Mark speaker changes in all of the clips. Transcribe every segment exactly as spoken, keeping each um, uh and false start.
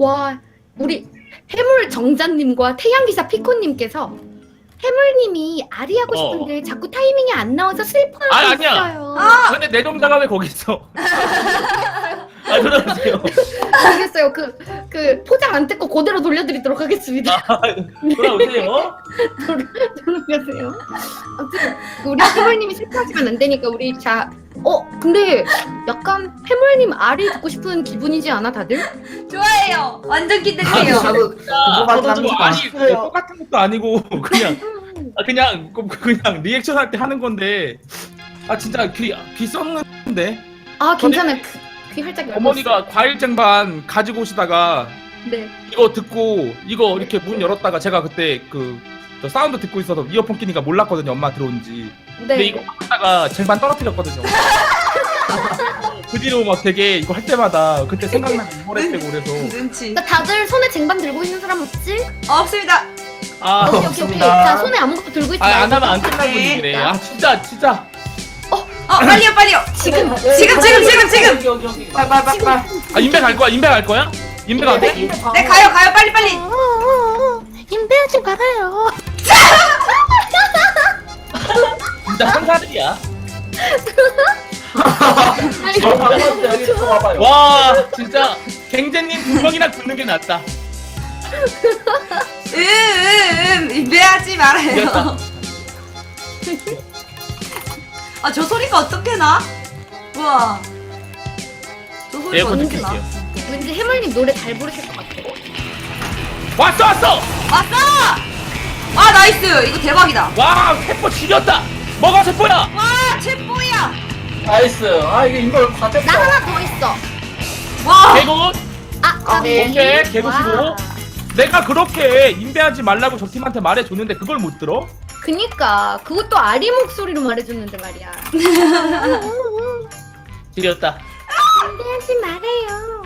Speaker 1: 와, 우리 해물 정자님과 태양기사 피코님께서 해물님이 아리 하고
Speaker 2: 어.
Speaker 1: 싶은데 자꾸 타이밍이 안 나와서 슬퍼하고
Speaker 2: 아니, 아니야.
Speaker 1: 있어요.
Speaker 2: 아, 근데 내 동자가 왜 거기 있어? 아, 들어보세요.
Speaker 1: 알겠어요. 그, 그 포장 안 뜯고 그대로 돌려드리도록 하겠습니다.
Speaker 2: 아, 돌아오세요.
Speaker 1: 돌아가세요. 아무튼 우리 해물님이 슬퍼하시면 안 되니까 우리 자. 어, 근데 약간 해물님 아리 듣고 싶은 기분이지 않아 다들?
Speaker 3: 좋아해요. 완전
Speaker 2: 아,
Speaker 3: 기대돼요.
Speaker 4: 저도 궁금하긴
Speaker 2: 저도 뭐
Speaker 4: 합니다.
Speaker 2: 아니 똑같은 것도 아니고 그냥 아, 그냥 그- 그냥 리액션 할 때 하는 건데 아 진짜 귀, 귀 썩는데
Speaker 1: 아, 괜찮아요. 그, 귀 활짝 열고
Speaker 2: 어머니가 과일 쟁반 가지고 오시다가
Speaker 1: 있어요. 네.
Speaker 2: 이거 듣고 이거 이렇게 문 열었다가 제가 그때 그 저 사운드 듣고 있어서 이어폰 끼니까 몰랐거든요, 엄마 들어온지. 근데
Speaker 1: 네.
Speaker 2: 이거 하다가 쟁반 떨어뜨렸거든요. 그 뒤로 막 되게 이거 할 때마다 그때 생각나고 우울했대고 그래서
Speaker 3: 눈치.
Speaker 1: 자, 다들 손에 쟁반 들고 있는 사람 없지?
Speaker 3: 없습니다.
Speaker 2: 아,
Speaker 1: 오케이, 오케이, 오케이.
Speaker 4: 없습니다.
Speaker 1: 자, 손에 아무것도 들고 있지
Speaker 2: 아, 안
Speaker 1: 말고.
Speaker 2: 하면 안 끝날 분위기네. 아, 진짜, 진짜.
Speaker 3: 어 빨리요 빨리요.
Speaker 1: 지금,
Speaker 3: 지금 지금 지금 지금.
Speaker 4: 여기 여기 여기. 빨빨빨빨.
Speaker 2: 아, 인베 갈 거야? 인베 갈 거야? 인베 가도 돼?
Speaker 3: 네 가요 가요 빨리 빨리.
Speaker 1: 어, 어, 어. 인베하지 말아요.
Speaker 2: 진짜 상사들이야.
Speaker 4: 저 방금 여기 또 와봐요.
Speaker 2: 와, 진짜 갱제님 두 명이나 듣는 게 낫다.
Speaker 3: 음음 매하지 말아요. 아 저 소리가 어떻게 나? 우와. 저 소리가
Speaker 2: 에어컨
Speaker 3: 어떻게 나?
Speaker 2: 느낄게요.
Speaker 1: 왠지 해물님 노래 잘 부르실 것 같아.
Speaker 2: 왔어, 왔어!
Speaker 3: 왔어! 아 나이스 이거 대박이다.
Speaker 2: 와, 세포 지렸다! 뭐가 세포야?
Speaker 3: 와 최뽀야.
Speaker 4: 나이스. 아 이게 이걸 다
Speaker 1: 나
Speaker 4: 됐어.
Speaker 1: 하나 더 있어.
Speaker 3: 와.
Speaker 2: 개굿!
Speaker 1: 아,
Speaker 4: 오케이,
Speaker 2: 오케이, 개굿이고. 내가 그렇게 인베하지 말라고 저 팀한테 말해줬는데 그걸 못 들어?
Speaker 1: 그니까 그것도 아리 목소리로 말해줬는데 말이야.
Speaker 2: 지렸다.
Speaker 1: 인베하지 말아요.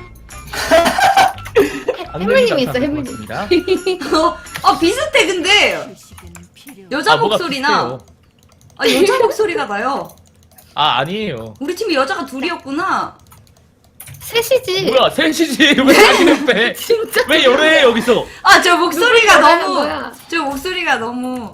Speaker 2: 안
Speaker 1: 해물님이
Speaker 2: 들리지
Speaker 1: 있어,
Speaker 2: 않다는
Speaker 1: 해물님.
Speaker 2: 것 같습니다.
Speaker 3: 어, 어 비슷해 근데 여자
Speaker 2: 아, 뭐가
Speaker 3: 목소리나
Speaker 2: 비슷해요.
Speaker 3: 아 여자 목소리가 나요.
Speaker 2: 아, 아니에요.
Speaker 3: 우리 팀이 여자가 둘이었구나.
Speaker 1: 셋이지.
Speaker 2: 뭐야, 셋이지. 왜 자기는 빼?
Speaker 1: 진짜.
Speaker 2: 왜 열애 여기서?
Speaker 3: 아 저 목소리가
Speaker 1: 누굴
Speaker 3: 너무
Speaker 1: 거야?
Speaker 3: 저 목소리가 너무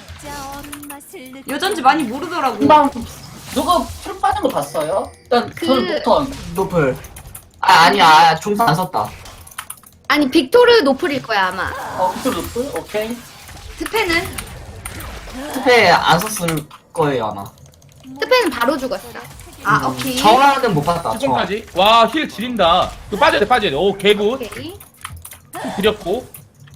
Speaker 3: 여잔지 많이 모르더라고.
Speaker 4: 금방 누가 풀 빠진 거 봤어요? 일단
Speaker 1: 그-
Speaker 4: 저는 부터 노플. 아 아니야 중산 안 썼다.
Speaker 1: 아니 빅토르 노플일 거야 아마.
Speaker 4: 어 빅토르 노플? 오케이.
Speaker 3: 스페는
Speaker 4: 스페 안 썼을 거예요 아마.
Speaker 1: 스페는 바로 죽었어.
Speaker 3: 아
Speaker 4: 음,
Speaker 3: 오케이.
Speaker 4: 정화는 못 봤다. 정화.
Speaker 2: 칠번까지. 와, 힐 지린다. 그 빠져야 돼, 빠져야 돼. 오, 개굿.
Speaker 1: 오케이.
Speaker 2: 드렸고.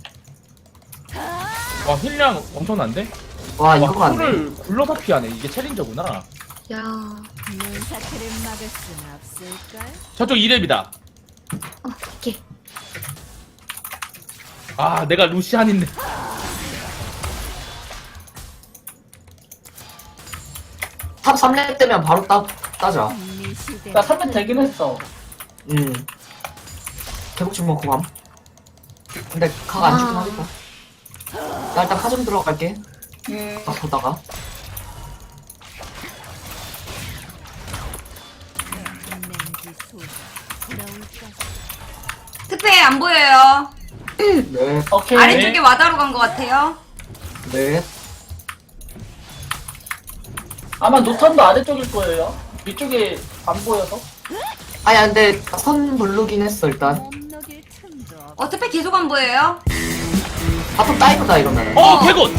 Speaker 2: 와, 힐량 엄청난데?
Speaker 4: 와
Speaker 2: 와,
Speaker 4: 이거 맞네.
Speaker 2: 를 굴러서 피하네. 이게 챌린저구나.
Speaker 1: 야.
Speaker 5: 눈사태를 막을 순 없을걸?
Speaker 2: 저쪽 이 렙이다.
Speaker 1: 어, 오케이.
Speaker 2: 아, 내가 루시안인데.
Speaker 4: 탑 삼 렙 되면 바로 따 따자.
Speaker 5: 네 시대
Speaker 4: 나 삼 렙 되긴 했어. 음. 개복침 먹고 감. 근데 각 안 주긴
Speaker 1: 아.
Speaker 4: 하겠다. 나 일단 카좀 들어갈게.
Speaker 3: 음.
Speaker 4: 딱 보다가.
Speaker 5: 냉기 소리 부러울 것
Speaker 3: 스페 안 보여요.
Speaker 4: 네. 오케이.
Speaker 3: 아래쪽에 와다로 간 것 같아요.
Speaker 4: 네.
Speaker 6: 아마 노턴도 아래쪽일 거예요. 위쪽에 안 보여서.
Speaker 4: 아야 근데 선 부르긴 했어 일단.
Speaker 5: 못 녹일 틈도 없
Speaker 3: 어 스페 계속 안 보여요.
Speaker 4: 바텀 다이브다 이러면.
Speaker 2: 어,
Speaker 3: 어.
Speaker 2: 개굿!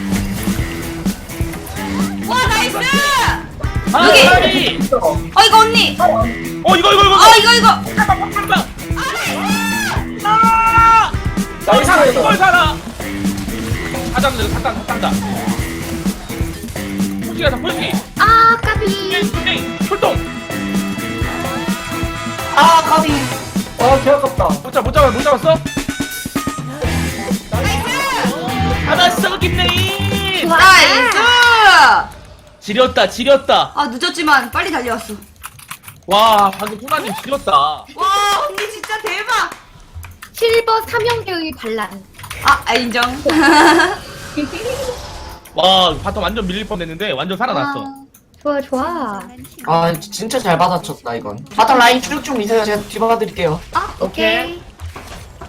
Speaker 3: 와 나이스.
Speaker 2: 아,
Speaker 3: 여기!
Speaker 2: 빨리!
Speaker 3: 어 이거 언니.
Speaker 2: 어, 이거, 이거, 이거!
Speaker 3: 어 이거 이거.
Speaker 2: 아! 이걸 살아,
Speaker 6: 나이스.
Speaker 2: 이걸 살아! 사장들, 사장, 사장다. 솔직히 다 솔직히.
Speaker 1: 아 까비.
Speaker 2: 땡, 출동!
Speaker 4: 아 까비.
Speaker 6: 와, 개 아깝다.
Speaker 2: 못 잡, 못 잡았, 못 잡았어? 잡았어, 김레인!
Speaker 3: 나이스.
Speaker 2: 지렸다, 지렸다.
Speaker 3: 아 늦었지만 빨리 달려왔어.
Speaker 2: 와, 방금 훈아님 지렸다.
Speaker 3: 와 언니 진짜 대박.
Speaker 1: 실버 삼형제의 반란.
Speaker 3: 아, 아 인정.
Speaker 2: 와, 바텀 완전 밀릴 뻔했는데 완전 살아났어.
Speaker 1: 아, 좋아 좋아.
Speaker 4: 아 진짜 잘 받아쳤다 이건. 바텀 라인 쭉쭉 미세요. 제가 뒤받아드릴게요.
Speaker 1: 아 오케이.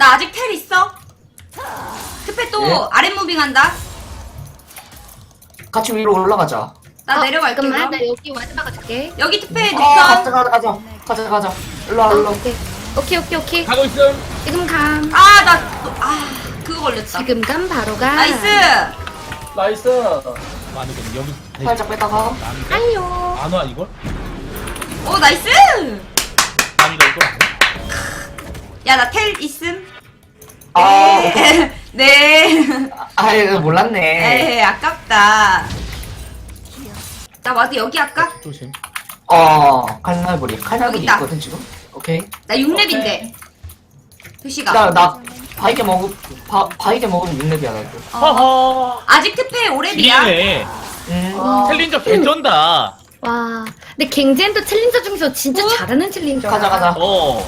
Speaker 3: 나 아직 텔 있어. 특패 또
Speaker 4: 예?
Speaker 3: 아랫 무빙한다.
Speaker 4: 같이 위로 올라가자.
Speaker 3: 나
Speaker 1: 어,
Speaker 3: 내려갈게.
Speaker 1: 잠깐만,
Speaker 3: 그럼.
Speaker 1: 나 여기 와드 박아줄게.
Speaker 3: 여기 특패
Speaker 4: 아, 가자,
Speaker 3: 녹턴.
Speaker 4: 가자, 가자. 가자, 가자. 일로 와, 일로.
Speaker 1: 어, 오케이. 오케이, 오케이, 오케이.
Speaker 2: 가고 있음.
Speaker 1: 지금 감.
Speaker 3: 아, 나, 또- 아, 그거 걸렸다.
Speaker 1: 지금 감 바로 가.
Speaker 3: 나이스.
Speaker 6: 나이스.
Speaker 2: 많으거든 여기.
Speaker 4: 살짝 뺐다가.
Speaker 2: 남이가
Speaker 1: 아유.
Speaker 2: 안 와 이걸?
Speaker 3: 오, 나이스.
Speaker 2: 남이가 이걸 안 와?
Speaker 3: 야, 나 텔 있음.
Speaker 4: 아,
Speaker 3: 네. 네.
Speaker 4: 아유, 몰랐네.
Speaker 3: 에이, 아깝다. 나 와도 여기 할까?
Speaker 2: 조심.
Speaker 4: 어, 칼날부리. 칼날부리
Speaker 3: 여기 있다.
Speaker 4: 있거든, 지금? 오케이.
Speaker 3: 나 육 렙인데. 표시가.
Speaker 4: 나, 나, 바이게 먹으, 바, 바이게 먹으면 육 렙이야, 나도.
Speaker 3: 어.
Speaker 2: 허허.
Speaker 3: 아직 특패 오 렙이야.
Speaker 2: 지네.
Speaker 4: 음.
Speaker 6: 아,
Speaker 2: 챌린저 개쩐다.
Speaker 1: 와. 근데 갱젠도 챌린저 중에서 진짜
Speaker 3: 어?
Speaker 1: 잘하는 챌린저.
Speaker 4: 가자, 가자.
Speaker 2: 어.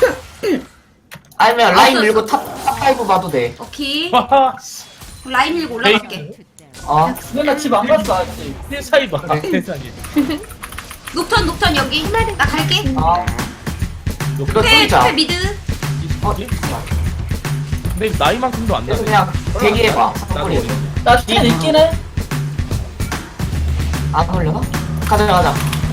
Speaker 4: 아니면 라인
Speaker 3: 없었어.
Speaker 4: 밀고 탑, 탑5 봐도 돼.
Speaker 3: 오케이.
Speaker 2: 하하.
Speaker 3: 라인 밀고 올라갈게.
Speaker 4: 어.
Speaker 6: 근데 나 집 안 갔어 아직.
Speaker 2: 세상이 봐.
Speaker 4: 그래.
Speaker 2: 세상이.
Speaker 3: 녹턴, 녹턴 여기. 나 갈게.
Speaker 4: 어. 이거
Speaker 3: 특패,
Speaker 4: 뚫자.
Speaker 3: 특패 미드.
Speaker 4: 어,
Speaker 2: 근데 나이만큼도 안
Speaker 4: 그래서
Speaker 2: 나네.
Speaker 4: 그냥 대기해봐.
Speaker 2: 나도
Speaker 4: 사거리.
Speaker 2: 어린데.
Speaker 6: 나집 있긴 해.
Speaker 4: 안 걸려나? 가자, 가자.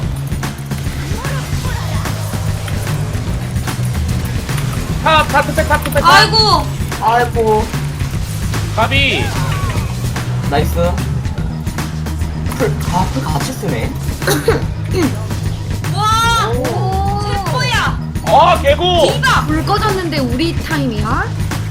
Speaker 2: 탑, 탑, 탑, 탑, 탑, 탑.
Speaker 3: 아이고.
Speaker 4: 아이고.
Speaker 2: 가비.
Speaker 4: 나이스. 풀, 아, 풀 같이 쓰네.
Speaker 3: 와.
Speaker 1: 오.
Speaker 3: 최고야.
Speaker 2: 어, 개고.
Speaker 3: 디바.
Speaker 1: 불 꺼졌는데 우리 타임이야?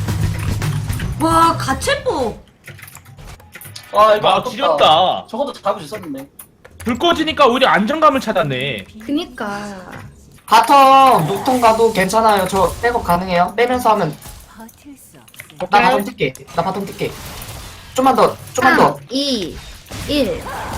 Speaker 3: 와, 가채뽀.
Speaker 6: 아 이거
Speaker 2: 아,
Speaker 6: 아깝다.
Speaker 2: 지렸다.
Speaker 6: 저것도 잡을 수 있었는데.
Speaker 2: 불 꺼지니까 오히려 안정감을 찾았네.
Speaker 1: 그니까.
Speaker 4: 바텀, 녹통 가도 괜찮아요. 저 백업 가능해요. 빼면서 하면.
Speaker 5: 버틸 수 없어.
Speaker 4: 나 바텀 뛸게. 나 바텀 뛸게. 좀만 더, 좀만 더.
Speaker 1: 삼, 이, 일.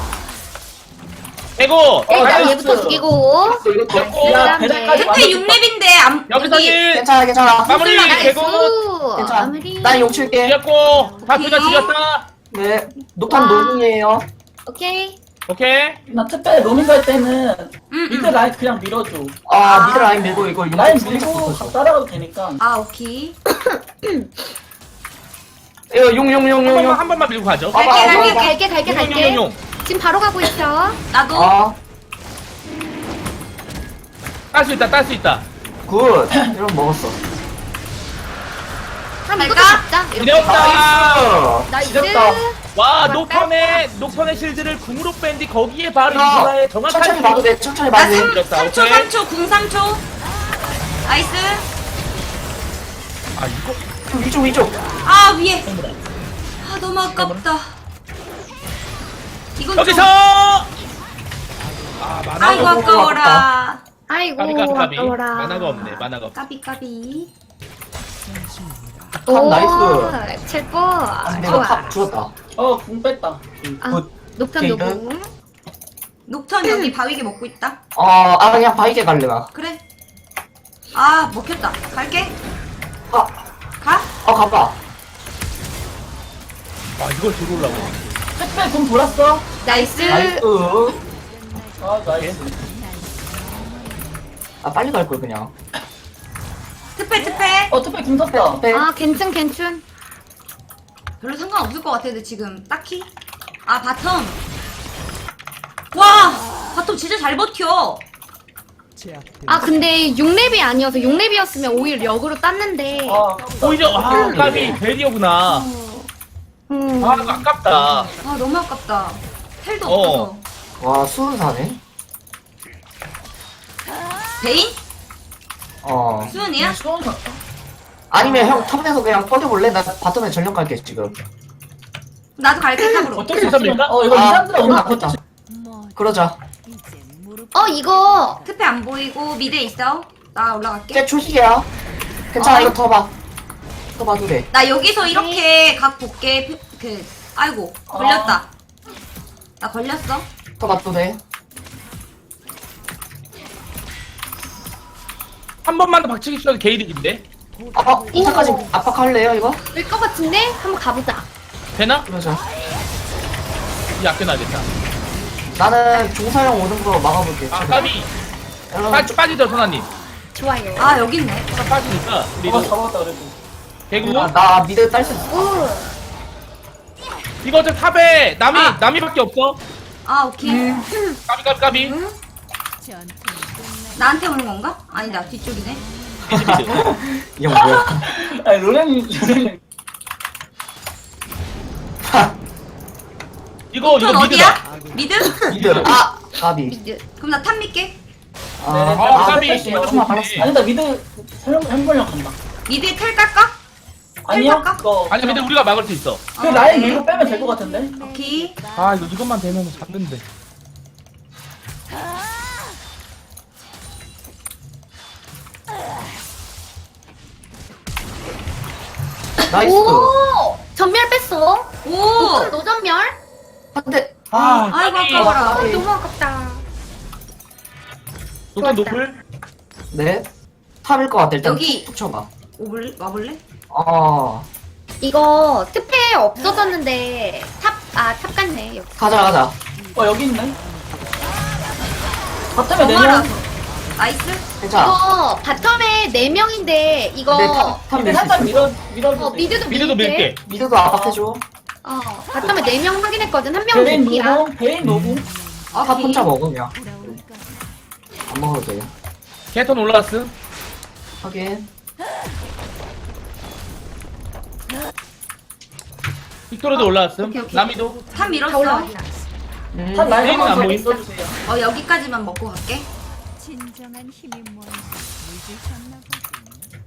Speaker 2: 개고.
Speaker 1: 일단
Speaker 6: 나이스.
Speaker 1: 얘부터 죽이고.
Speaker 4: 이거 더.
Speaker 2: 개고.
Speaker 6: 야
Speaker 1: 그다음에
Speaker 6: 배달까지
Speaker 3: 특패 육 렙인데 안
Speaker 2: 여기서
Speaker 3: 여기.
Speaker 2: 일.
Speaker 4: 괜찮아, 괜찮아.
Speaker 2: 마무리.
Speaker 1: 나이스.
Speaker 2: 개고.
Speaker 4: 괜찮아.
Speaker 1: 마무리.
Speaker 4: 난 용 칠게.
Speaker 2: 지렸고. 다트가
Speaker 3: 오케이.
Speaker 2: 지렸다.
Speaker 4: 네. 녹탄
Speaker 1: 와.
Speaker 4: 노궁이에요.
Speaker 1: 오케이.
Speaker 2: 오케이.
Speaker 6: 나 특별 로밍 갈 때는
Speaker 3: 응,
Speaker 6: 미드
Speaker 3: 응.
Speaker 6: 라인 그냥 밀어줘.
Speaker 4: 아,
Speaker 3: 아.
Speaker 4: 미드 라인 밀고 이거 용
Speaker 6: 라인
Speaker 4: 살짝
Speaker 6: 밀고
Speaker 4: 붙었어.
Speaker 6: 따라가도 되니까.
Speaker 3: 아, 오케이.
Speaker 4: 이거 용, 용, 용,
Speaker 2: 한
Speaker 4: 용,
Speaker 2: 번만
Speaker 4: 용.
Speaker 2: 한 번만 밀고 가죠.
Speaker 4: 아,
Speaker 3: 갈게,
Speaker 4: 아,
Speaker 3: 갈게,
Speaker 4: 아,
Speaker 1: 갈게, 갈게,
Speaker 2: 용, 용,
Speaker 1: 갈게.
Speaker 2: 용, 용.
Speaker 1: 지금 바로 가고 있어.
Speaker 3: 나도.
Speaker 4: 아,
Speaker 2: 딸 수 있다. 딸 수 있다.
Speaker 4: 굿. 이런 먹었어.
Speaker 1: 그럼 이것도
Speaker 3: 갈까?
Speaker 1: 잡자. 이렇게.
Speaker 2: 지렸다.
Speaker 1: 나이스.
Speaker 6: 지렸다.
Speaker 2: 와, 녹턴의 녹턴의 실드를 궁으로 뺀뒤 거기에 바로
Speaker 4: 이거
Speaker 2: 이거에 정확한
Speaker 4: 천천히 봐도 돼. 천천히
Speaker 3: 나
Speaker 4: 봐도 돼.
Speaker 3: 삼,
Speaker 2: 밀었다,
Speaker 3: 삼 초,
Speaker 2: 오케이.
Speaker 3: 삼 초, 궁 삼 초. 나이스.
Speaker 2: 아, 이거
Speaker 4: 위쪽, 위쪽.
Speaker 3: 아, 위에. 아, 너무 아깝다. 이건
Speaker 2: 여기서.
Speaker 3: 좀...
Speaker 2: 아, 만화가
Speaker 3: 아이고,
Speaker 2: 없-
Speaker 3: 아까워라.
Speaker 1: 아이고,
Speaker 2: 까비 까비 까비.
Speaker 1: 아까워라.
Speaker 2: 만화가 없네. 만화가 없.
Speaker 3: 까비, 까비.
Speaker 1: 오,
Speaker 4: 나이스.
Speaker 1: 최고.
Speaker 4: 아, 근데 이거
Speaker 1: 좋아.
Speaker 4: 탑 죽었다.
Speaker 6: 어 궁 뺐다.
Speaker 1: 아,
Speaker 4: 굿.
Speaker 1: 녹턴
Speaker 4: 오케이,
Speaker 1: 녹음.
Speaker 3: 녹턴 여기 바위게 먹고 있다.
Speaker 4: 어, 아, 그냥 바이게 갈래, 나.
Speaker 3: 그래. 아, 먹혔다. 갈게.
Speaker 4: 아,
Speaker 3: 가.
Speaker 4: 어, 가봐.
Speaker 2: 아, 이걸 들어오려고.
Speaker 6: 특별 궁 돌았어.
Speaker 1: 나이스.
Speaker 4: 나이스.
Speaker 6: 아 나이스.
Speaker 4: 아, 빨리 갈걸, 그냥.
Speaker 3: 특패, 특패.
Speaker 6: 어 특별 궁 떴다.
Speaker 4: 네.
Speaker 1: 아, 괜찮, 괜찮.
Speaker 3: 별로 상관없을 것 같은데, 지금. 딱히. 아, 바텀. 와! 바텀 진짜 잘 버텨.
Speaker 1: 아, 근데 육 렙이 아니어서 육 렙이었으면 오히려 역으로 땄는데.
Speaker 6: 아
Speaker 2: 오히려 아, 까비 베리어구나.
Speaker 1: 음.
Speaker 2: 아, 이거 아깝다.
Speaker 3: 아, 너무 아깝다. 텔도
Speaker 2: 어.
Speaker 3: 없어서.
Speaker 4: 와, 수은 사네.
Speaker 3: 베인?
Speaker 4: 어.
Speaker 3: 수은이야?
Speaker 6: 수원 가.
Speaker 4: 아니면 형 탑에서 그냥 꺼져볼래? 나 바텀에 전력 갈게, 지금.
Speaker 3: 나도 갈게, 탑으로.
Speaker 2: 어떻게 해서입니까?
Speaker 6: 어 이거
Speaker 4: 아,
Speaker 6: 이산드라 오늘 안
Speaker 4: 맞다.
Speaker 6: 컸지.
Speaker 5: 뭐
Speaker 4: 그러자.
Speaker 5: 이제 무릎
Speaker 1: 어, 이거.
Speaker 3: 특패 안 보이고, 미드에 있어. 나 올라갈게.
Speaker 4: 쟤 초식이야. 괜찮아,
Speaker 3: 어.
Speaker 4: 이거 더 봐. 더 봐도 돼.
Speaker 3: 나 여기서 이렇게 각 볼게. 그, 그, 아이고, 걸렸다. 나 걸렸어.
Speaker 4: 더 봐도 돼.
Speaker 2: 한 번만 더 박치기 쳐도 게이득인데.
Speaker 4: 아, 이차까지 압박할래요, 이거?
Speaker 1: 될 것 같은데? 한번 가보자.
Speaker 2: 되나?
Speaker 4: 그러자.
Speaker 2: 이 아껴놔야겠다.
Speaker 4: 나는 종사형 오는 거 막아볼게.
Speaker 2: 아, 까비.
Speaker 4: 여러분,
Speaker 2: 빠, 빠지죠, 선아님.
Speaker 1: 좋아요.
Speaker 3: 아, 여기 있네.
Speaker 2: 하나 빠지니까
Speaker 6: 어
Speaker 2: 우리도
Speaker 6: 잡았다 그래도.
Speaker 2: 개구.
Speaker 4: 나, 나 미드 딸 수 있어.
Speaker 1: 오.
Speaker 2: 이거 저 탑에 남이
Speaker 3: 아.
Speaker 2: 남이밖에 없어.
Speaker 3: 아 오케이.
Speaker 2: 까비 까비 까비.
Speaker 5: 전투는
Speaker 3: 나한테 오는 건가? 아니다 뒤쪽이네.
Speaker 2: 미드 미드.
Speaker 4: 이형 뭐야?
Speaker 6: 아니 로렌 로렌
Speaker 2: 이거 이거
Speaker 3: 전
Speaker 2: 미드다.
Speaker 3: 어디야? 미드?
Speaker 4: 미드. 아 까비.
Speaker 1: 미드.
Speaker 3: 그럼 나 탑 믿게.
Speaker 4: 아,
Speaker 6: 네,
Speaker 2: 아,
Speaker 6: 아,
Speaker 2: 까비.
Speaker 6: 뺄게요.
Speaker 4: 조금만 발랐어.
Speaker 6: 아니 나 미드 햄버령 간다.
Speaker 3: 미드에 텔 깔까?
Speaker 6: 아니요?
Speaker 3: 텔
Speaker 6: 그거
Speaker 2: 아니 근데 우리가 막을 수 있어.
Speaker 6: 그 라인 밀고 빼면 될 것 같은데?
Speaker 3: 오케이.
Speaker 2: 아 이거 이것만 되면 잡는데.
Speaker 4: 나이스.
Speaker 1: 오. 전멸 뺐어.
Speaker 3: 오.
Speaker 1: 노 노전멸.
Speaker 4: 한대.
Speaker 2: 아
Speaker 3: 아이고
Speaker 2: 까비.
Speaker 3: 아까워라.
Speaker 1: 아, 너무 아깝다.
Speaker 2: 노탄 노플.
Speaker 4: 네. 탑일 것 같아. 일단
Speaker 3: 여기.
Speaker 4: 툭 쳐봐.
Speaker 3: 오블 와볼래?
Speaker 4: 어.
Speaker 1: 이거 특패 없어졌는데 탑 아 탑 같네. 여기.
Speaker 4: 가자 가자.
Speaker 6: 어 여기 있네. 바텀에 네
Speaker 3: 정말아.
Speaker 6: 명.
Speaker 3: 나이스.
Speaker 4: 괜찮아.
Speaker 1: 이거 바텀에 네 명인데 이거
Speaker 4: 근데 탑, 탑
Speaker 6: 근데
Speaker 4: 밀수
Speaker 6: 살짝
Speaker 4: 있어.
Speaker 6: 밀어
Speaker 1: 어,
Speaker 6: 밀어주세요.
Speaker 1: 미드도
Speaker 2: 미드도
Speaker 1: 밀게.
Speaker 2: 밀게.
Speaker 4: 미드도 압박해줘.
Speaker 1: 어 바텀에 네 명 확인했거든. 한 명은
Speaker 6: 베인
Speaker 1: 개피야.
Speaker 6: 노고 베인 노고.
Speaker 4: 탑 혼자 먹어 그냥.
Speaker 5: 돌아올까?
Speaker 4: 안 먹어도 돼.
Speaker 2: 캐턴 올라왔음.
Speaker 4: 하긴.
Speaker 2: 빅토르도 올라왔음.
Speaker 3: 오케이, 오케이.
Speaker 2: 남이도.
Speaker 3: 탑
Speaker 1: 다
Speaker 3: 밀었어.
Speaker 1: 올라왔어.
Speaker 4: 음.
Speaker 6: 한 라인
Speaker 2: 베인은 안
Speaker 6: 한번
Speaker 2: 보임.
Speaker 6: 써주세요.
Speaker 3: 어 여기까지만 먹고 갈게.
Speaker 5: 진정한 힘이 뭔지 잊으셨나 보군.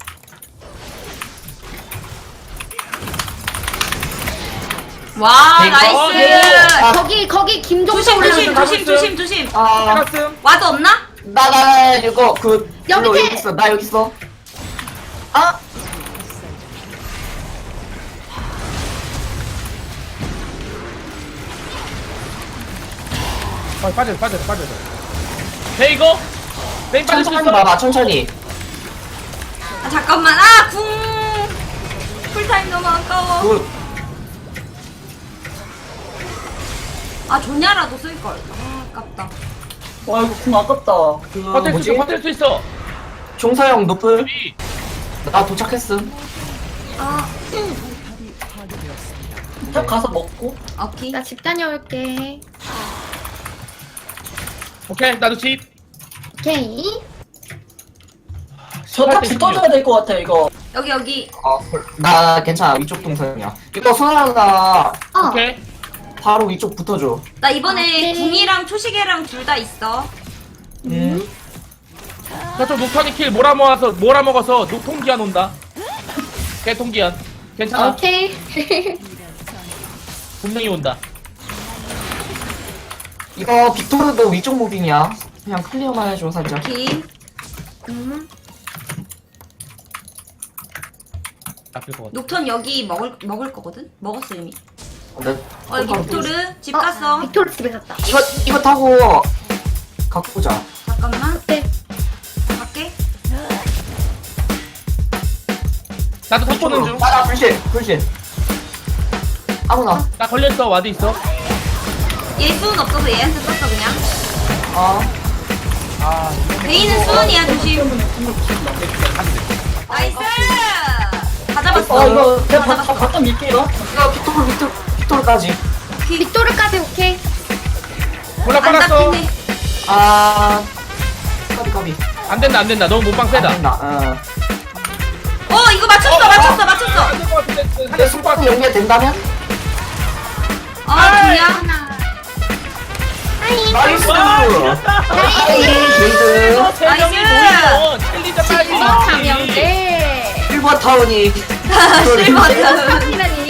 Speaker 3: 와
Speaker 4: 네,
Speaker 3: 나이스.
Speaker 4: 아.
Speaker 1: 거기 거기 김종서
Speaker 3: 조심 조심
Speaker 1: 올라가서
Speaker 3: 조심 조심 조심.
Speaker 4: 아.
Speaker 2: 올라왔음.
Speaker 3: 와도 없나?
Speaker 4: 나, 나, 나, 이거, 그,
Speaker 1: 여기
Speaker 4: 이거
Speaker 1: 태-
Speaker 4: 여기 있어. 나 여기 있어. 아!
Speaker 2: 아 빠져 빠져 빠져. 돼 이거. 베인 빠질 수
Speaker 4: 천천히
Speaker 2: 있어.
Speaker 4: 봐봐, 천천히.
Speaker 3: 아 잠깐만. 아 궁. 풀타임 너무 아까워.
Speaker 4: 그,
Speaker 3: 아 존냐라도 쓸 걸. 아 아깝다.
Speaker 6: 와 이거 궁 아깝다.
Speaker 4: 그,
Speaker 2: 버틸 수
Speaker 4: 뭐지?
Speaker 2: 있어 버틸 수 있어.
Speaker 4: 종서형 노플.
Speaker 2: 이.
Speaker 4: 나 도착했음.
Speaker 1: 아,
Speaker 6: 탑 가서 먹고.
Speaker 3: 오케이.
Speaker 1: 나 집 다녀올게.
Speaker 2: 오케이 나도 집.
Speaker 1: 오케이.
Speaker 6: 저 탑 붙어줘야 될 것 같아 이거.
Speaker 3: 여기 여기.
Speaker 4: 어, 나 괜찮아. 위쪽 동선이야. 이거 소나가
Speaker 1: 어.
Speaker 2: 오케이.
Speaker 4: 바로 위쪽 붙어줘.
Speaker 3: 나 이번에
Speaker 1: 오케이.
Speaker 3: 궁이랑 초시계랑 둘 다 있어.
Speaker 4: 음.
Speaker 2: 저쪽 녹턴이 킬 몰아먹어서 몰아먹어서 녹통기한 온다. 개통기한. 괜찮아.
Speaker 1: 오케이.
Speaker 2: 분명히 온다.
Speaker 4: 이거 빅토르도 위쪽 무빙이야. 그냥 클리어만 해줘, 살짝.
Speaker 3: 오케이.
Speaker 1: 음.
Speaker 2: 아플 것 같아.
Speaker 3: 녹턴 여기 먹을 먹을 거거든. 먹었어 이미.
Speaker 4: 어, 나,
Speaker 3: 어 여기 빅토르 집 갔어.
Speaker 1: 빅토르 집에 갔다.
Speaker 4: 이거, 이거 타고 갖고 오자.
Speaker 3: 잠깐만.
Speaker 1: 네.
Speaker 3: 갈게.
Speaker 2: 나도 탑 보는 중.
Speaker 4: 나, 나, 불신, 불신. 아무나.
Speaker 2: 나 걸렸어. 와드 있어.
Speaker 3: 얘 수은 없어서 얘한테 썼어 그냥.
Speaker 4: 어.
Speaker 2: 아
Speaker 3: 베이는 수은이야 조심.
Speaker 6: 때문에 궁을 붙인다.
Speaker 3: 나이스. 다 잡았어.
Speaker 6: 어 이거 내가
Speaker 3: 다
Speaker 6: 바,
Speaker 3: 잡았어.
Speaker 6: 바, 바텀 밀게요.
Speaker 4: 이거 빅토르, 빅토르, 빅토르까지.
Speaker 1: 빅토르까지 오케이.
Speaker 2: 몰라
Speaker 3: 안
Speaker 2: 빨았어.
Speaker 3: 잡히네.
Speaker 4: 아. 까비, 까비.
Speaker 2: 안 된다 안 된다. 너무 몸빵 세다.
Speaker 4: 안 된다. 어.
Speaker 3: 어 이거 맞췄어 맞췄어 맞췄어.
Speaker 2: 안될것 같은데.
Speaker 4: 근데
Speaker 2: 한대
Speaker 4: 손가락 연결된다면?
Speaker 3: 아 뭐야?
Speaker 1: 하나. 하이.
Speaker 4: 나이스!
Speaker 2: 와 이겼다.
Speaker 4: 나이스! 게이드.
Speaker 2: 어, 세 명이
Speaker 3: 나이스.
Speaker 2: 모이면 챌린저 빨리.
Speaker 1: 이거 장영대.
Speaker 4: 실버 타운이.
Speaker 3: 실버는.
Speaker 1: 이라니.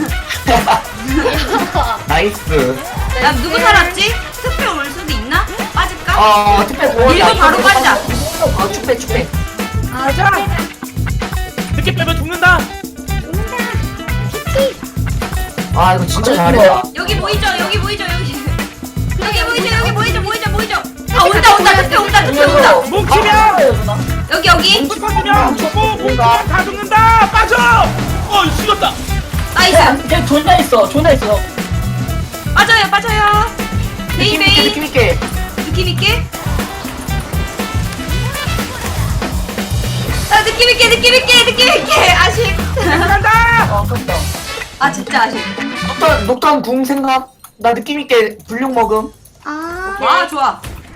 Speaker 4: 나이스.
Speaker 3: 야 누구 살았지? 특별 올 수도 있나? 빠질까?
Speaker 4: 어, 특별 보호.
Speaker 3: 밀고 바로 빠지자.
Speaker 4: 어, 축배, 축배.
Speaker 3: 아 좋아.
Speaker 2: 늦게 빼면 죽는다.
Speaker 4: 아, 이거 진짜
Speaker 6: 아,
Speaker 4: 잘해.
Speaker 3: 여기 보이죠? 여기 보이죠? 여기. 여기 보이죠? 여기 보이죠? 보이죠? 보이죠? 아 온다 온다 특별 온다 특별 온다.
Speaker 2: 뭉치면
Speaker 3: 여기 여기.
Speaker 2: 뭉치면 죽고 뭉치면 다 죽는다. 빠져. 어 죽었다.
Speaker 3: 나이스.
Speaker 6: 걔 존나 있어. 존나 있어.
Speaker 3: 빠져요 빠져요. 베이
Speaker 4: 느낌 있게,
Speaker 3: 베이.
Speaker 4: 느낌 있게.
Speaker 3: 느낌 있게. 아 느낌 있게 느낌 있게 느낌 있게 아쉽.
Speaker 6: 아, 아깝다.
Speaker 3: 아 진짜 아쉽.
Speaker 4: 녹턴 녹턴 궁 생각. 나 느낌 있게 불룡 먹음.
Speaker 1: 아
Speaker 3: 와 좋아.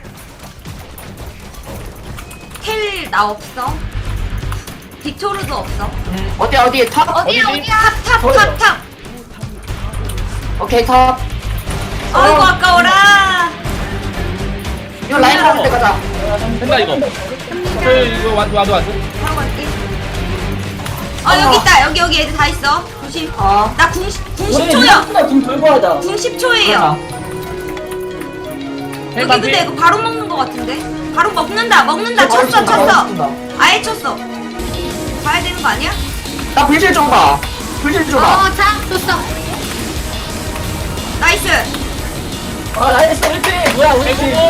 Speaker 3: 텔 나 없어. 빅토르도 없어.
Speaker 4: 음, 어디 어디 탑?
Speaker 1: 어디야
Speaker 2: 어디지?
Speaker 1: 어디야?
Speaker 3: 탑
Speaker 6: 저요.
Speaker 3: 탑 탑.
Speaker 4: 오케이 탑.
Speaker 3: 아이고 아까워라.
Speaker 4: 이거 라인 가는 데 가자.
Speaker 2: 된다 이거. 그 이거 와도 와도 와도.
Speaker 3: 바로 갈게. 아 여기 있다. 여기 여기 애들 다 있어. 조심.
Speaker 4: 아.
Speaker 3: 나 궁, 궁
Speaker 6: 우리
Speaker 3: 십 초야.
Speaker 6: 이거 좀 돌고 하자.
Speaker 3: 궁 십 초예요. 여기 근데 이거 바로 먹는 거 같은데? 바로 먹는다. 먹는다. 쳤어 쳤어. 아예 쳤어. 봐야 되는 거 아니야?
Speaker 4: 나 불질 좀 봐. 불질 좀 봐.
Speaker 1: 어자 줬어.
Speaker 3: 나이스.
Speaker 6: 아, 나이스, 우리 팀. 뭐야, 우리 팀.
Speaker 2: 대구몬.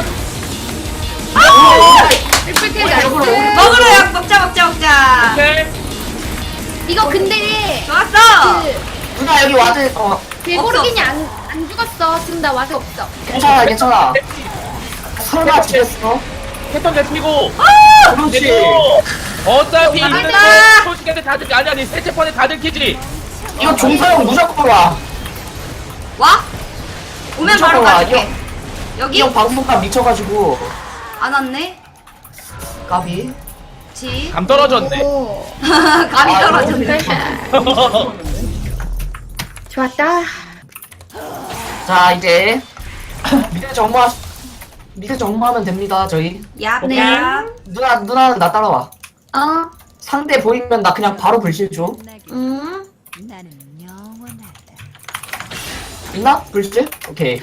Speaker 1: 리플ቴ
Speaker 4: 역으로.
Speaker 1: 나이스.
Speaker 3: 먹으러 약 먹자 먹자 먹자.
Speaker 2: 오케이.
Speaker 1: 이거 근데
Speaker 3: 좋았어.
Speaker 1: 그
Speaker 4: 누나 여기 와드. 어
Speaker 1: 개고르기니 안, 안 죽었어. 지금 나 와서 없어.
Speaker 4: 괜찮아 괜찮아. 설마 지겠어?
Speaker 2: 패턴 대피고.
Speaker 4: 그렇지.
Speaker 2: 대고. 어차피
Speaker 3: 어,
Speaker 2: 이거는
Speaker 3: 맞다.
Speaker 2: 솔직히 다들 아니 아니 세째 번에 다들 키지.
Speaker 4: 이거 종사용 무조건 와.
Speaker 3: 와? 오면 바로
Speaker 4: 미쳤구나.
Speaker 3: 가줄게. 여기
Speaker 4: 이 형 방송감 미쳐가지고
Speaker 3: 안 왔네.
Speaker 4: 까비.
Speaker 3: 지.
Speaker 2: 감 떨어졌네.
Speaker 1: 오.
Speaker 3: 감이
Speaker 4: 아,
Speaker 3: 떨어졌네.
Speaker 1: 좋았다.
Speaker 4: 자 이제 미드 정모 미드 정모하면 됩니다 저희.
Speaker 3: 얍.
Speaker 1: 네.
Speaker 3: 얍.
Speaker 4: 누나 누나는 나 따라와.
Speaker 1: 어.
Speaker 4: 상대 보이면 나 그냥 바로 불실 줘.
Speaker 1: 음.
Speaker 5: 나는 영원하다.
Speaker 4: 있나? 불실? 오케이.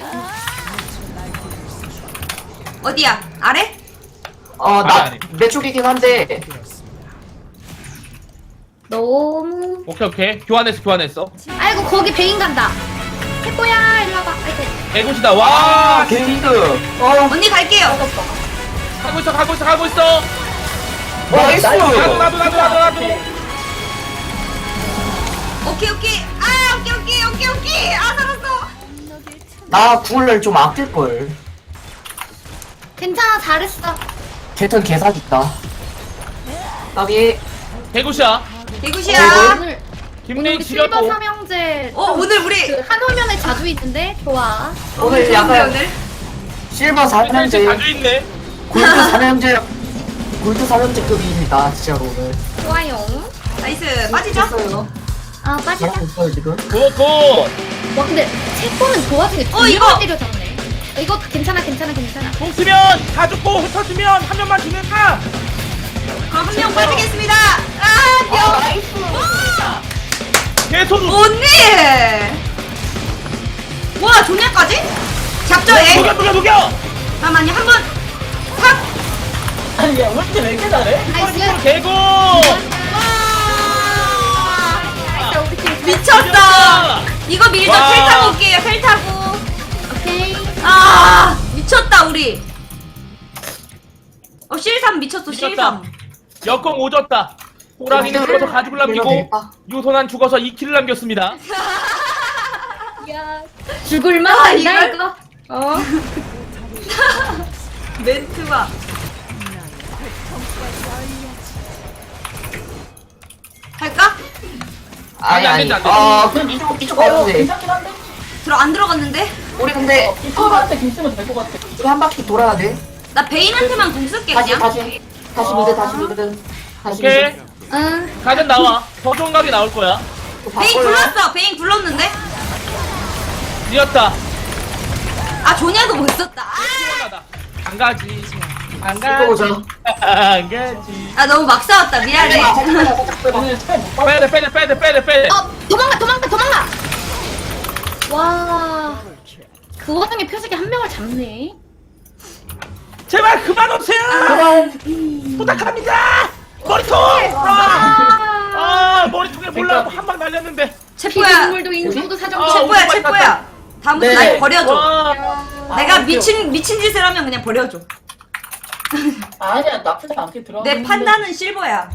Speaker 3: 어디야? 아래?
Speaker 4: 어
Speaker 2: 아니,
Speaker 4: 나
Speaker 2: 아니.
Speaker 4: 내 쪽이긴 한데
Speaker 1: 너무.
Speaker 2: 오케이 오케이. 교환했어 교환했어.
Speaker 1: 아이고 거기 베인 간다. 해보야 일로 와봐. 아이고.
Speaker 2: 대구시다. 와.
Speaker 4: 게이드. 어
Speaker 3: 언니 갈게요.
Speaker 2: 가고 있어 가고 있어 가고 있어.
Speaker 4: 나이스.
Speaker 2: 나도 나도 나도 나도 나도.
Speaker 3: 오케이 오케이. 아 오케이 오케이 오케이 오케이. 아 살았어.
Speaker 4: 나 궁을 좀 아낄 걸.
Speaker 1: 괜찮아 잘했어.
Speaker 4: 개턴 개사기다. 까비.
Speaker 2: 대구시야.
Speaker 3: 대구시야.
Speaker 1: 오늘
Speaker 2: 김민
Speaker 1: 우리 실버
Speaker 2: 지렸고.
Speaker 1: 삼형제.
Speaker 3: 어 오늘 우리
Speaker 1: 그 한 화면에 자주 있는데 좋아.
Speaker 4: 오늘
Speaker 3: 좋은데,
Speaker 4: 약간
Speaker 3: 오늘?
Speaker 4: 실버
Speaker 2: 진짜
Speaker 4: 삼형제,
Speaker 2: 자주 있네.
Speaker 4: 골드 삼형제, 골드 삼형제급입니다 진짜로 오늘.
Speaker 1: 좋아요.
Speaker 3: 나이스. 빠지죠?
Speaker 4: 했어요.
Speaker 1: 아 빠지자.
Speaker 4: 잘하고 있어요 지금.
Speaker 2: 굿굿.
Speaker 1: 와 근데 채권은 그 와중에
Speaker 3: 어, 이거!
Speaker 1: 때려 잡네. 이거 괜찮아 괜찮아 괜찮아.
Speaker 2: 공 쓰면 다 죽고 흩어지면 한 명만 죽는다.
Speaker 3: 그럼 한 명 빠지겠습니다. 아 명.
Speaker 4: 나이스.
Speaker 2: 계속.
Speaker 3: 언니. 와 조냐까지? 잡죠 얘.
Speaker 2: 녹여 녹여 녹여.
Speaker 3: 잠깐만요 한 번. 탁.
Speaker 6: 아니, 야, 우리 팀 왜 이렇게 잘해?
Speaker 1: 나이스.
Speaker 2: 개구.
Speaker 1: 나이스 우리 팀.
Speaker 3: 미쳤다. 이거 밀죠.
Speaker 2: 와.
Speaker 3: 텔 타고 올게요. 텔 타고.
Speaker 1: 오케이.
Speaker 3: 아 미쳤다 우리. 어 실삼 미쳤어
Speaker 2: 미쳤다.
Speaker 3: 실삼.
Speaker 2: 역공 오졌다. 호랑이는 죽어서 가죽을 남기고
Speaker 4: 되겠다.
Speaker 2: 유소난 죽어서 이 킬을 남겼습니다.
Speaker 1: 야 죽을만
Speaker 3: 아,
Speaker 1: 한다
Speaker 3: 이걸?
Speaker 1: 이거. 어.
Speaker 3: 멘트가. 할까?
Speaker 4: 아니
Speaker 2: 아니, 안
Speaker 4: 아니.
Speaker 2: 된다, 안 된다.
Speaker 4: 아 그럼 이쪽 이쪽 가도
Speaker 6: 어,
Speaker 4: 돼.
Speaker 6: 괜찮긴 한데?
Speaker 3: 들어 안 들어갔는데?
Speaker 4: 우리 근데
Speaker 6: 이거한테 길 쓰면 될 것 같아.
Speaker 4: 이거 한 바퀴 돌아야 돼.
Speaker 3: 나 베인한테만 공 쓸게
Speaker 4: 다시
Speaker 3: 그냥.
Speaker 4: 다시 다시 미드 다시 미드 다시
Speaker 2: 오케이.
Speaker 4: 미드.
Speaker 1: 응.
Speaker 2: 가든 나와. 더 좋은 각이 나올 거야.
Speaker 4: 또
Speaker 3: 베인
Speaker 4: 바꿔요.
Speaker 3: 굴렀어. 베인 굴렀는데?
Speaker 2: 이었다.
Speaker 3: 아 조냐도 못 썼다. 아,
Speaker 2: 시원하다. 안 가지. 안
Speaker 4: 이거
Speaker 2: 가지.
Speaker 4: 보자.
Speaker 2: 안 가지.
Speaker 3: 아 너무 막 싸웠다. 미안해.
Speaker 6: 오늘 차못 받아.
Speaker 2: 빼야 돼, 빼야 돼, 빼야 돼, 빼야 돼, 빼야 돼.
Speaker 1: 어 도망가 도망가 도망가. 와. 그 와중에 표식이 한 명을 잡네.
Speaker 2: 제발 그만 오세요. 부탁합니다. 머리통. 아, 아 머리통에 몰라고 한 방 날렸는데.
Speaker 3: 체포야.
Speaker 1: 피눈물도 인성도 사정도.
Speaker 2: 아,
Speaker 3: 체포야
Speaker 2: 오늘
Speaker 3: 체포야. 다음부터
Speaker 6: 네.
Speaker 3: 날 버려줘.
Speaker 2: 와.
Speaker 3: 내가 미친 미친 짓을 하면 그냥 버려줘.
Speaker 6: 아니야, 나쁘지 않게 들어.
Speaker 3: 내 판단은 실버야.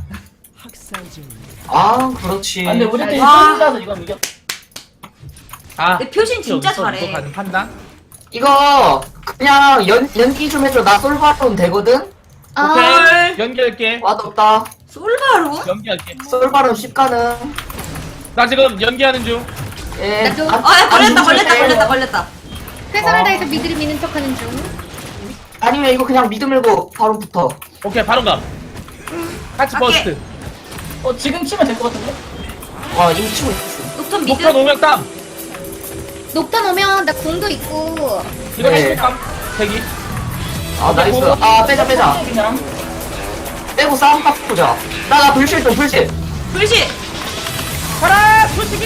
Speaker 4: 아 그렇지.
Speaker 6: 아, 근데 우리 팀
Speaker 3: 와.
Speaker 6: 쫄이라서 이건 이겼.
Speaker 2: 아,
Speaker 3: 내 표신 진짜
Speaker 2: 여기서
Speaker 3: 잘해.
Speaker 2: 이거 가는 판단.
Speaker 4: 이거 그냥 연 연기 좀 해줘. 나 솔바론 되거든.
Speaker 1: 아.
Speaker 2: 오케이. 연결할게.
Speaker 4: 와도 없다.
Speaker 3: 솔바로?
Speaker 2: 연기할게.
Speaker 4: 솔바로 십 가능.
Speaker 2: 나 지금 연기하는 중.
Speaker 4: 예.
Speaker 1: 나도-
Speaker 4: 안-
Speaker 3: 아, 야, 걸렸다,
Speaker 4: 안
Speaker 3: 걸렸다,
Speaker 4: 주세요.
Speaker 3: 걸렸다, 걸렸다.
Speaker 1: 최선을
Speaker 4: 어.
Speaker 1: 다해서 미드를 미는 척하는 중.
Speaker 4: 아니면 이거 그냥 미드 밀고 바로 붙어.
Speaker 2: 오케이 바로 가. 같이
Speaker 3: 갈게.
Speaker 2: 버스트.
Speaker 6: 어 지금 치면 될 것 같은데?
Speaker 4: 와 이미 치고 있었어.
Speaker 3: 녹턴 미드.
Speaker 2: 목표 노명 땀.
Speaker 1: 녹턴 오면 나 궁도 있고.
Speaker 2: 이거
Speaker 4: 네.
Speaker 2: 해줄 땀. 대기.
Speaker 4: 아 나이스. 아 빼자 빼자.
Speaker 6: 그냥
Speaker 4: 빼고 싸움 딱 보자. 나나 불실 좀 불실.
Speaker 3: 불시.
Speaker 2: 가라 솔직히.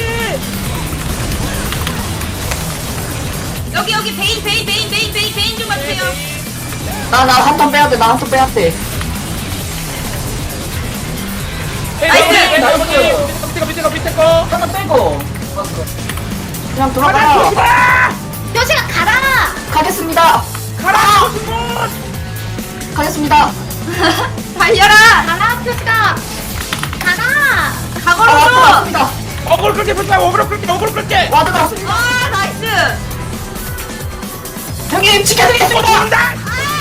Speaker 3: 여기, 여기, 베인, 베인, 베인, 베인, 베인, 베인 좀 봐주세요.
Speaker 4: 나 나 한 턴 빼야 돼. 나 한 턴 빼야 돼.
Speaker 3: 나이스!
Speaker 6: 나이스!
Speaker 2: 밑에 거 밑에 거 밑에 거.
Speaker 6: 하나 빼고 맞어.
Speaker 4: 그냥 들어가.
Speaker 1: 표시가 가라.
Speaker 4: 가겠습니다.
Speaker 2: 가라.
Speaker 4: 가겠습니다.
Speaker 3: 달려라!
Speaker 1: 가라 표시가. 가라.
Speaker 4: 아
Speaker 3: 가거로서!
Speaker 4: 왔습니다.
Speaker 2: 어그로 끌게 불까 어그로 끌게 어그로 끌게.
Speaker 4: 와드 나왔습니다.
Speaker 3: 아, 나이스!
Speaker 4: 형님 지켜드리겠습니다.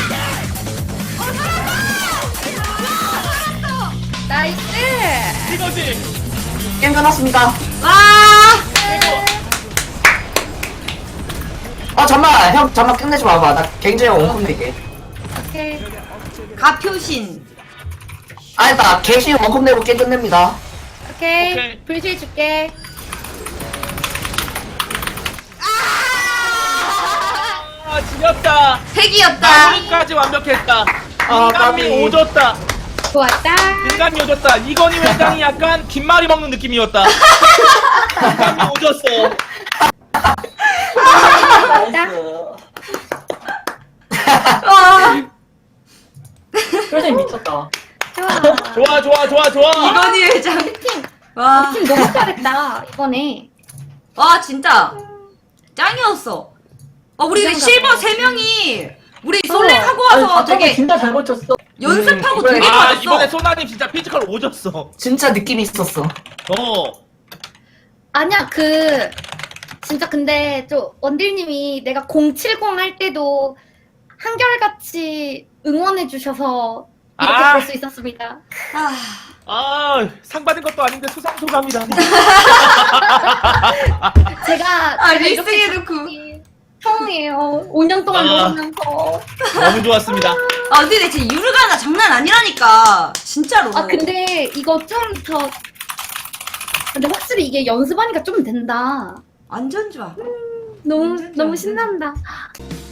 Speaker 1: 나이스.
Speaker 2: 이거지.
Speaker 4: 게임 끝났습니다.
Speaker 3: 와!
Speaker 4: 아 잠만 형 잠만 끝내지 마봐. 나 갱제형 원컵 내게.
Speaker 1: 오케이.
Speaker 3: 가표신.
Speaker 4: 아니 나 갱신 원컵 내고 게임 끝냅니다.
Speaker 1: 오케이.
Speaker 2: 오케이.
Speaker 1: 불실 줄게.
Speaker 2: 아 지렸다.
Speaker 3: 핵이었다.
Speaker 2: 마무리까지 완벽했다.
Speaker 4: 아,
Speaker 2: 인간미
Speaker 4: 까비.
Speaker 2: 오졌다.
Speaker 1: 좋았다.
Speaker 2: 인간미 오졌다. 이건희 회장이 약간 김말이 먹는 느낌이었다. 인간미 오졌어.
Speaker 6: 나이스.
Speaker 3: 와!
Speaker 6: 표정이 미쳤다.
Speaker 1: 좋아.
Speaker 2: 좋아 좋아 좋아 좋아.
Speaker 3: 이건희 회장.
Speaker 1: 팀.
Speaker 3: 와.
Speaker 1: 팀 너무 잘했다 이번에.
Speaker 3: 와, 진짜. 짱이었어. 어, 우리
Speaker 1: 진짜
Speaker 3: 실버
Speaker 1: 잘했어.
Speaker 3: 세 명이 우리 솔랭 하고
Speaker 6: 아니,
Speaker 3: 와서
Speaker 6: 바텀을
Speaker 3: 되게
Speaker 6: 진짜 잘 버텼어.
Speaker 3: 연습하고
Speaker 4: 음,
Speaker 3: 되게
Speaker 2: 아
Speaker 3: 좋았어.
Speaker 2: 이번에 소나님 진짜 피지컬 오졌어.
Speaker 4: 진짜 느낌이 있었어.
Speaker 2: 어.
Speaker 1: 아니야 그 진짜 근데 좀 원딜님이 내가 공칠십 할 때도 한결같이 응원해 주셔서 이렇게
Speaker 2: 아.
Speaker 1: 볼 수 있었습니다.
Speaker 3: 아,
Speaker 2: 아 상 받은 것도 아닌데 수상 소감이다.
Speaker 1: 제가
Speaker 3: 아,
Speaker 1: 제가
Speaker 3: 리스
Speaker 1: 이렇게
Speaker 3: 해놓고.
Speaker 1: 잡기 처음이에요. 오 년 동안
Speaker 2: 아.
Speaker 1: 놀면서.
Speaker 2: 너무 좋았습니다.
Speaker 3: 아, 근데 내 진짜 유르가나 장난 아니라니까. 진짜로.
Speaker 1: 아 근데 이거 좀 더 근데 확실히 이게 연습하니까 좀 된다.
Speaker 3: 완전 좋아.
Speaker 1: 너무
Speaker 3: 진짜.
Speaker 1: 너무 신난다.